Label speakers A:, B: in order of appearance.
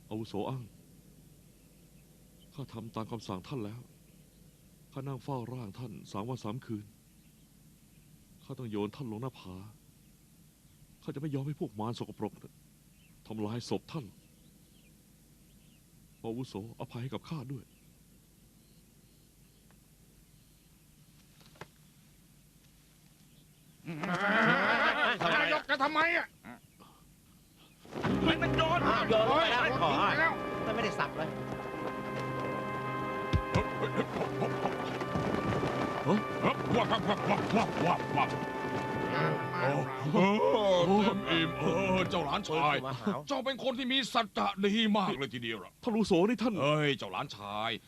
A: อาวุโสอั้งข้าทำตามคำสั่งท่านแล้วข้านั่งเฝ้าร่างท่าน3 วัน 3 คืนข้าต้องโยนท่านลงหน้าผาข้าจะไม่ยอมให้พวกมารสกปรกทำลายศพท่านอาวุโสอภัยให้กับข้าด้วย
B: นายกจะทำไมอ่ะ
C: มันโยน
D: โยน
B: โอ้ย
D: แล้ว
B: โดนทิ้งไปแล้ว
D: มันไม่ได้สับเลย
C: วับวับวับวับวับวับวับเต็มอิ่มเจ้าหลานชาย
D: มาหาว
C: เจ้าเป็นคนที่มีสัจจะดีมากเลยทีเดียวล่ะ
A: ท่านอาวุโสนี่ท่าน
C: เอ้ยเจ้าหลานชาย